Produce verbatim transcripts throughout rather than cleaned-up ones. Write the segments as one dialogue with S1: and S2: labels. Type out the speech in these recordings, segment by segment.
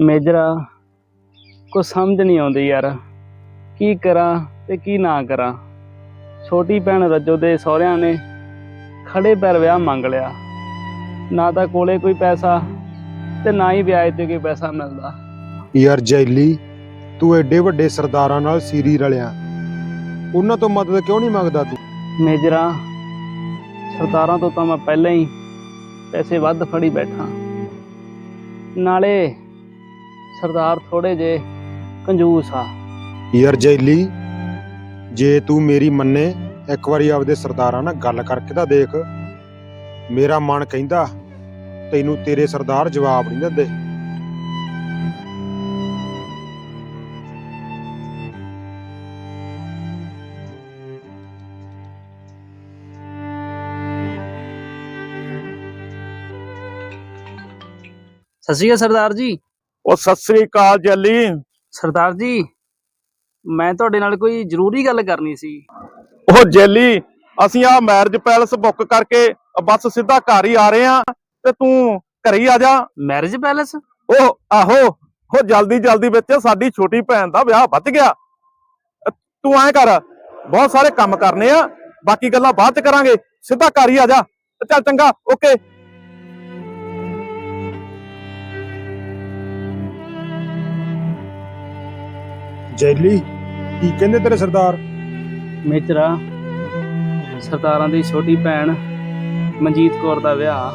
S1: ਮੇਜਰਾ ਕੁਛ ਸਮਝ ਨਹੀਂ ਆਉਂਦੀ ਯਾਰ, ਕੀ ਕਰਾਂ ਤੇ ਕੀ ਨਾ ਕਰਾਂ। ਛੋਟੀ ਭੈਣ ਰੱਜੋ ਦੇ ਸਹੁਰਿਆਂ ਨੇ ਖੜੇ ਪੈਰ ਵਿਆਹ ਮੰਗ ਲਿਆ, ਨਾ ਤਾਂ ਕੋਲੇ ਕੋਈ ਪੈਸਾ ਤੇ ਨਾ ਹੀ ਵਿਆਹ ਤੇ ਕੋਈ ਪੈਸਾ ਮਿਲਦਾ।
S2: ਯਾਰ ਜੈਲੀ, ਤੂੰ ਐਡੇ ਵੱਡੇ ਸਰਦਾਰਾਂ ਨਾਲ ਸੀਰੀ ਰਲਿਆ, ਉਹਨਾਂ ਤੋਂ ਮਦਦ ਕਿਉਂ ਨਹੀਂ ਮੰਗਦਾ ਤੂੰ?
S1: ਮੇਜਰਾ, ਸਰਦਾਰਾਂ ਤੋਂ ਤਾਂ ਮੈਂ ਪਹਿਲਾਂ ਹੀ ਪੈਸੇ ਵੱਧ ਫੜੀ ਬੈਠਾ, ਨਾਲੇ ਸਰਦਾਰ ਥੋੜੇ ਜੇ ਕੰਜੂਸ ਆ।
S2: ਯਾਰ ਜੈਲੀ, ਜੇ ਤੂੰ ਮੇਰੀ ਮੰਨੇ, ਇੱਕ ਵਾਰੀ ਆਪਦੇ ਸਰਦਾਰਾਂ ਨਾਲ ਗੱਲ ਕਰਕੇ ਤਾਂ ਦੇਖ। ਮੇਰਾ ਮਨ ਕਹਿੰਦਾ ਤੈਨੂੰ ਤੇਰੇ ਸਰਦਾਰ ਜਵਾਬ ਨਹੀਂ ਦਿੰਦੇ।
S1: ਸਤਿ ਸ਼੍ਰੀ ਅਕਾਲ ਸਰਦਾਰ ਜੀ।
S3: ਉਹ ਸਤਿ ਸ੍ਰੀ ਅਕਾਲ ਜੱਲੀ।
S1: ਸਰਦਾਰ ਜੀ, ਮੈਂ ਤੁਹਾਡੇ ਨਾਲ ਕੋਈ ਜ਼ਰੂਰੀ ਗੱਲ ਕਰਨੀ ਸੀ।
S3: ਉਹ ਜੈਲੀ, ਅਸੀਂ ਆ ਮੈਰਿਜ ਪੈਲਸ ਬੁੱਕ ਕਰਕੇ ਬਸ ਸਿੱਧਾ ਘਰ ਹੀ ਆ ਰਹੇ ਆ, ਤੇ ਤੂੰ ਘਰੇ ਹੀ ਆ ਜਾ।
S1: Marriage palace?
S3: ਉਹ ਆਹੋ, ਉਹ ਜਲਦੀ ਜਲਦੀ ਵਿੱਚ ਸਾਡੀ ਛੋਟੀ ਭੈਣ ਦਾ ਵਿਆਹ ਵੱਧ ਗਿਆ। ਤੂੰ ਐਂ ਕਰ, ਬਹੁਤ ਸਾਰੇ ਕੰਮ ਕਰਨੇ ਆ, ਬਾਕੀ ਗੱਲਾਂ ਬਾਅਦ ਚ ਕਰਾਂਗੇ, ਸਿੱਧਾ ਘਰ ਹੀ ਆ ਜਾ। ਚੱਲ ਚੰਗਾ, ਓਕੇ।
S2: ਜੈਲੀ, ਕੀ ਕਹਿੰਦੇ ਤੇਰੇ ਸਰਦਾਰ?
S1: ਮੇਜਰਾ, ਸਰਦਾਰਾਂ ਦੀ ਛੋਟੀ ਭੈਣ ਮਨਜੀਤ ਕੌਰ ਦਾ ਵਿਆਹ।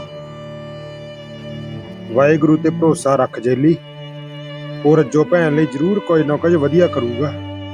S2: ਵਾਹਿਗੁਰੂ ਤੇ ਭਰੋਸਾ ਰੱਖ ਜੈਲੀ, ਉਹ ਰੱਜੋ ਭੈਣ ਲਈ ਜ਼ਰੂਰ ਕੁਝ ਨਾ ਕੁਝ ਵਧੀਆ ਕਰੂਗਾ।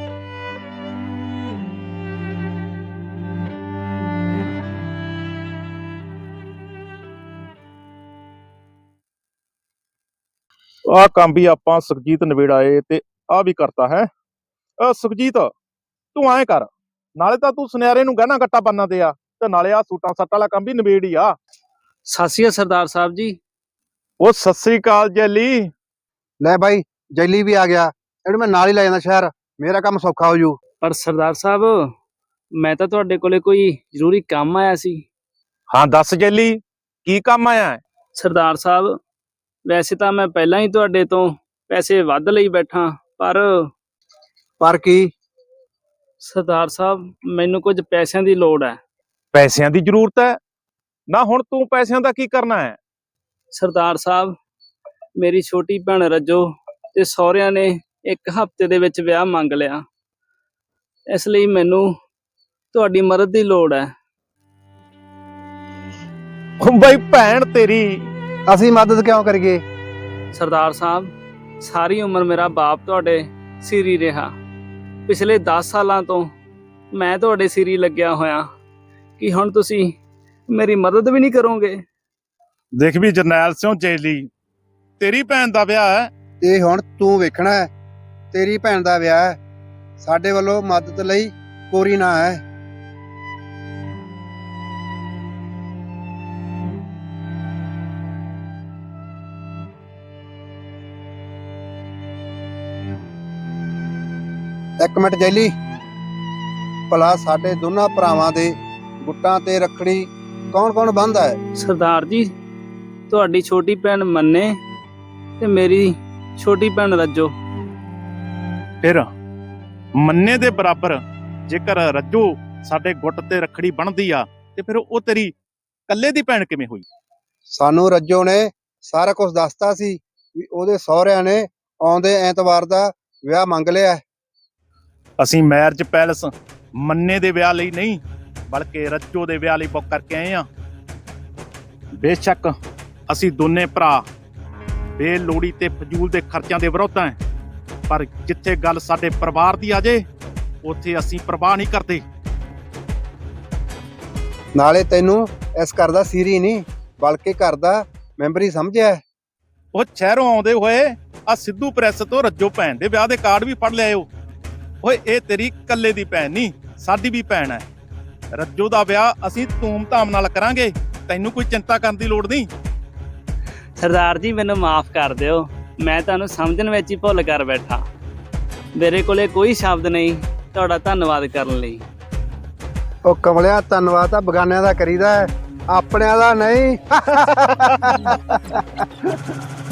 S3: ਆਹ ਕੰਮ ਵੀ ਆਪਾਂ ਸੁਖਜੀਤ ਨਵੇੜਾਏ ਤੇ ਆ ਵੀ ਕਰਤਾ ਹੈ। ਅ ਸੁਖਜੀਤ, ਤੂੰ ਐਂ ਕਰ, ਨਾਲੇ ਤਾਂ ਤੂੰ ਸੁਨਿਆਰੇ ਨੂੰ ਗਹਿਣਾ ਗੱਟਾ ਬੰਨ੍ਹਣਾ ਤੇ ਆ, ਤੇ ਨਾਲੇ ਆ ਸੂਟਾਂ ਸੱਟਾਂ ਵਾਲਾ ਕੰਮ ਵੀ ਨਵੇੜ ਹੀ ਆ।
S1: ਸਤਿ ਸ਼੍ਰੀ ਅਕਾਲ ਸਰਦਾਰ ਸਾਹਿਬ ਜੀ।
S3: ਉਹ ਸਤਿ ਸ੍ਰੀ ਅਕਾਲ ਜੈਲੀ।
S4: ਲੈ ਬਾਈ, ਜੈਲੀ ਵੀ ਆ ਗਿਆ, ਇਹਨੂੰ ਮੈਂ ਨਾਲ ਹੀ ਲੈ ਜਾਂਦਾ ਸ਼ਹਿਰ, ਮੇਰਾ ਕੰਮ ਸੌਖਾ ਹੋ ਜੂ।
S1: ਪਰ ਸਰਦਾਰ ਸਾਹਿਬ, ਮੈਂ ਤਾਂ ਤੁਹਾਡੇ ਕੋਲੇ ਕੋਈ ਜ਼ਰੂਰੀ ਕੰਮ ਆਇਆ ਸੀ।
S3: ਹਾਂ ਦੱਸ ਜੈਲੀ, ਕੀ ਕੰਮ ਆਇਆ ਹੈ?
S1: ਸਰਦਾਰ ਸਾਹਿਬ, ਵੈਸੇ ਤਾਂ ਮੈਂ ਪਹਿਲਾਂ ਹੀ ਤੁਹਾਡੇ ਤੋਂ ਪੈਸੇ ਵੱਧ ਲਈ ਬੈਠਾ, ਪਰ
S4: ਪਰ ਕੀ?
S1: ਸਰਦਾਰ ਸਾਹਿਬ, ਮੈਨੂੰ ਕੁਝ ਪੈਸਿਆਂ ਦੀ ਲੋੜ ਹੈ।
S3: ਪੈਸਿਆਂ ਦੀ ਜ਼ਰੂਰਤ ਹੈ? ਨਾ ਹੁਣ ਤੂੰ ਪੈਸਿਆਂ ਦਾ ਕੀ ਕਰਨਾ ਹੈ?
S1: ਸਰਦਾਰ ਸਾਹਿਬ, ਮੇਰੀ ਛੋਟੀ ਭੈਣ ਰੱਜੋ ਤੇ ਸਹੁਰਿਆਂ ਨੇ ਇੱਕ ਹਫ਼ਤੇ ਦੇ ਵਿੱਚ ਵਿਆਹ ਮੰਗ ਲਿਆ, ਇਸ ਲਈ ਮੈਨੂੰ ਤੁਹਾਡੀ ਮਦਦ ਦੀ ਲੋੜ ਹੈ।
S3: ਉਹ ਬਈ ਭੈਣ ਤੇਰੀ।
S4: ਅਸੀਂ ਮਦਦ ਕਿਉਂ ਕਰੀਏ?
S1: ਸਰਦਾਰ ਸਾਹਿਬ, ਸਾਰੀ ਉਮਰ ਮੇਰਾ ਬਾਪ ਤੁਹਾਡੇ ਸਿਰੀ ਰਿਹਾ, ਪਿਛਲੇ ਦਸ ਸਾਲਾਂ ਤੋਂ ਮੈਂ ਤੁਹਾਡੇ ਸਿਰੀ ਲੱਗਿਆ ਹੋਇਆ, ਕਿ ਹੁਣ ਤੁਸੀਂ ਮੇਰੀ ਮਦਦ ਵੀ ਨਹੀਂ ਕਰੋਗੇ?
S3: ਦੇਖ ਵੀ ਜਰਨੈਲ ਸਿੰਘ ਜੈਲੀ, ਤੇਰੀ ਭੈਣ ਦਾ ਵਿਆਹ ਹੈ।
S4: ਇਹ ਹੁਣ ਤੂੰ ਵੇਖਣਾ ਹੈ, ਤੇਰੀ ਭੈਣ ਦਾ ਵਿਆਹ ਹੈ, ਸਾਡੇ ਵੱਲੋਂ ਮਦਦ ਲਈ ਪੂਰੀ ਨਾ ਹੈ। ਇੱਕ ਮਿੰਟ ਜੈਲੀ, ਭਲਾ ਸਾਡੇ ਦੋਨਾਂ ਭਰਾਵਾਂ ਦੇ ਗੁੱਟਾਂ ਤੇ ਰੱਖੜੀ ਕੌਣ ਕੌਣ ਬੰਨ੍ਹਦਾ ਹੈ?
S1: ਸਰਦਾਰ ਜੀ, ਤੁਹਾਡੀ ਛੋਟੀ ਭੈਣ ਮੰਨੇ ਤੇ ਮੇਰੀ ਛੋਟੀ ਭੈਣ ਰੱਜੋ।
S3: ਫਿਰ ਮੰਨੇ ਦੇ ਬਰਾਬਰ ਜੇਕਰ ਰੱਜੋ ਸਾਡੇ ਗੁੱਟ ਤੇ ਰੱਖੜੀ ਬਣਦੀ ਆ, ਤੇ ਫਿਰ ਉਹ ਤੇਰੀ ਕੱਲੇ ਦੀ ਭੈਣ ਕਿਵੇਂ ਹੋਈ?
S4: ਸਾਨੂੰ ਰੱਜੋ ਨੇ ਸਾਰਾ ਕੁਝ ਦੱਸਤਾ ਸੀ ਵੀ ਉਹਦੇ ਸਹੁਰਿਆਂ ਨੇ ਆਉਂਦੇ ਐਤਵਾਰ ਦਾ ਵਿਆਹ ਮੰਗ ਲਿਆ।
S3: ਅਸੀਂ ਮੈਰਿਜ ਪੈਲਸ ਮੰਨੇ ਦੇ ਵਿਆਹ ਲਈ ਨਹੀਂ, ਬਲਕਿ ਰੱਜੋ ਦੇ ਵਿਆਹ ਲਈ ਬੁੱਕ ਕਰਕੇ ਆਏ ਆ। ਬੇਸ਼ੱਕ ਅਸੀਂ ਦੋਨੇ ਭਰਾ ਬੇਲੋੜੀ ਤੇ ਫਜ਼ੂਲ ਦੇ ਖਰਚਿਆਂ ਦੇ ਵਿਰੁੱਧ ਹਾਂ, ਪਰ ਜਿੱਥੇ ਗੱਲ ਸਾਡੇ ਪਰਿਵਾਰ ਦੀ ਆ ਜੇ, ਉੱਥੇ ਅਸੀਂ ਪਰਵਾਹ ਨਹੀਂ ਕਰਦੇ।
S4: ਨਾਲੇ ਤੈਨੂੰ ਇਸ ਘਰ ਦਾ ਸੀਰੀ ਨਹੀਂ, ਬਲਕਿ ਘਰ ਦਾ ਮੈਂਬਰ ਹੀ ਸਮਝਿਆ।
S3: ਉਹ ਸ਼ਹਿਰੋਂ ਆਉਂਦੇ ਹੋਏ ਆ ਸਿੱਧੂ ਪ੍ਰੈਸ ਤੋਂ ਰੱਜੋ ਭੈਣ ਦੇ ਵਿਆਹ ਦੇ ਕਾਰਡ ਵੀ ਫੜ ਲਿਆਇਓ। ਓਏ ਇਹ ਤੇਰੀ ਕੱਲੇ ਦੀ ਭੈਣ ਨਹੀਂ, ਸਾਡੀ ਵੀ ਭੈਣ ਹੈ। ਰੱਜੋ ਦਾ ਵਿਆਹ ਅਸੀਂ ਧੂਮ ਧਾਮ ਨਾਲ ਕਰਾਂਗੇ, ਤੈਨੂੰ ਕੋਈ ਚਿੰਤਾ ਕਰਨ ਦੀ ਲੋੜ ਨਹੀਂ।
S1: ਸਰਦਾਰ ਜੀ, ਮੈਨੂੰ ਮਾਫ ਕਰ ਦਿਓ, ਮੈਂ ਤੁਹਾਨੂੰ ਸਮਝਣ ਵਿੱਚ ਹੀ ਭੁੱਲ ਕਰ ਬੈਠਾ। ਮੇਰੇ ਕੋਲੇ ਕੋਈ ਸ਼ਬਦ ਨਹੀਂ ਤੁਹਾਡਾ ਧੰਨਵਾਦ ਕਰਨ ਲਈ।
S4: ਉਹ ਕਮਲਿਆ, ਧੰਨਵਾਦ ਤਾਂ ਬਗਾਨਿਆਂ ਦਾ ਕਰੀਦਾ ਹੈ, ਆਪਣਿਆਂ ਦਾ ਨਹੀਂ।